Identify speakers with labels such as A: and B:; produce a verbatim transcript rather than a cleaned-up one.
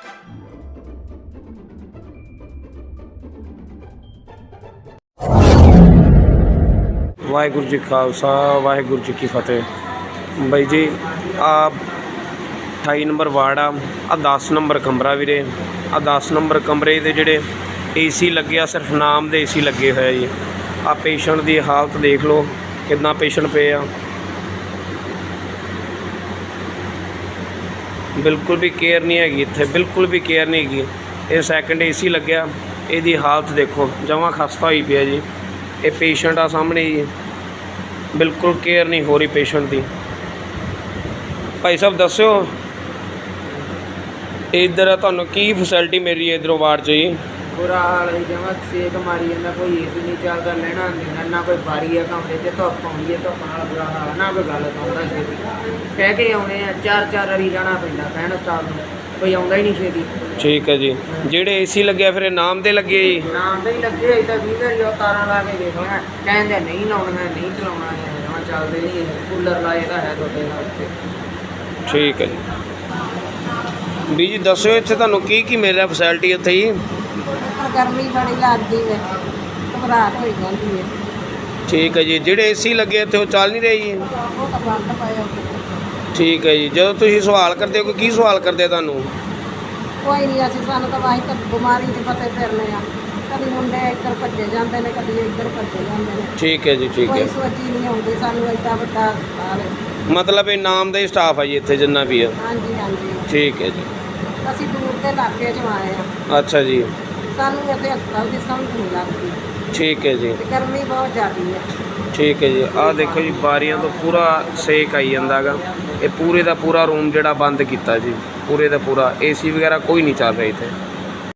A: वाहिगुरू जी खालसा वाहिगुरू जी की फतेह। बई जी आ अठाई number ward आ आ दस नंबर कमरा वीरे। आ दस नंबर कमरे दे जिहड़े ए सी लगे आ सिर्फ नाम दे ए सी लगे हुए जी। आ पेशेंट की हालत देख लो कितना पेशेंट पे आ, बिल्कुल भी केयर नहीं हैगी इत्थे, बिल्कुल भी केयर नहीं हैगी। ये सैकेंड ए सी लग्या, इहदी हालत देखो जमां खस्ता होई पई जी। ये पेशेंट आ सामने जी, बिल्कुल केयर नहीं हो रही पेशेंट की। भाई साहब दस्यो इधर तुहानूं की फैसिलिटी मिल रही है इधरों वार्ड च जी?
B: बुरा हाल है जमा सेक मारी जाता, कोई ए सी नहीं चलता, लेना देना ना कोई बारी है कमरे से, धुप्प आउंदी है, धुप्प नाल बुरा हाल ना कोई गल सुनदा छेती। कह के आउणे आ चार चार वारी जाना पैंदा कहण स्टाफ नूं, कोई आउंदा ही नहीं छेती।
A: ठीक है जी। ਜਿਹੜੇ ए सी लगे फिर नाम दे लगे जी?
B: नाम दे ही लगे अजे तक भी वारी तारां ला के देख लेना, कहंदे नहीं लाउणा नहीं चलाउणा है, जमा चलदे नहीं, कूलर लाए ਤਾਂ है ਤੁਹਾਡੇ ਨਾਲ ਉੱਤੇ।
A: ठीक है जी। ਵੀ ਜੀ ਦੱਸਿਓ ਇੱਥੇ ਤੁਹਾਨੂੰ ਕੀ ਕੀ ਮਿਲ ਰਿਹਾ ਫੈਸਿਲਿਟੀ ਇੱਥੇ ਜੀ?
C: गर्मी बड़ी लगती है, घबराहट हो जाती है।
A: ठीक है जी। ਜਿਹੜੇ ए सी ਲੱਗੇ ਇੱਥੇ ਉਹ ਚੱਲ ਨਹੀਂ ਰਹੇ ਜੀ?
C: वो तो बंद पए होते।
A: ਠੀਕ ਹੈ ਜੀ। ਜਦੋਂ ਤੁਸੀਂ ਸਵਾਲ ਕਰਦੇ ਹੋ ਕੀ ਸਵਾਲ ਕਰਦੇ ਤੁਹਾਨੂੰ?
C: कोई नहीं असं सानू तो वाही तो बीमारी च फसे फिरने आ, कभी मुंडे इधर भजे जाते हैं, कभी इधर भजे जाते हैं।
A: ठीक है जी। ठीक
C: कोई
A: है।
C: सोची नहीं आती सानू एडा वड्डा हस्पताल है।
A: मतलब ਇਹ ਨਾਮ ਦਾ ਹੀ ਸਟਾਫ ਹੈ ਜੀ ਇੱਥੇ ਜਿੰਨਾ ਵੀ ਹੈ?
C: हाँ जी हाँ जी।
A: ठीक है जी।
C: ਅਸੀਂ दूर के इलाके चों आए हैं,
A: अच्छा जी।
C: सानू इतने हस्पताल की समझ नहीं लगती,
A: ठीक है जी।
C: ते गर्मी बहुत ज़्यादा है।
A: ठीक है जी। आ देखो जी बारियां तो पूरा सेक आई जाता गा। ये पूरे का पूरा रूम जड़ा बंद किया जी, पूरे का पूरा ए सी वगैरह कोई नहीं चल रहा इतने।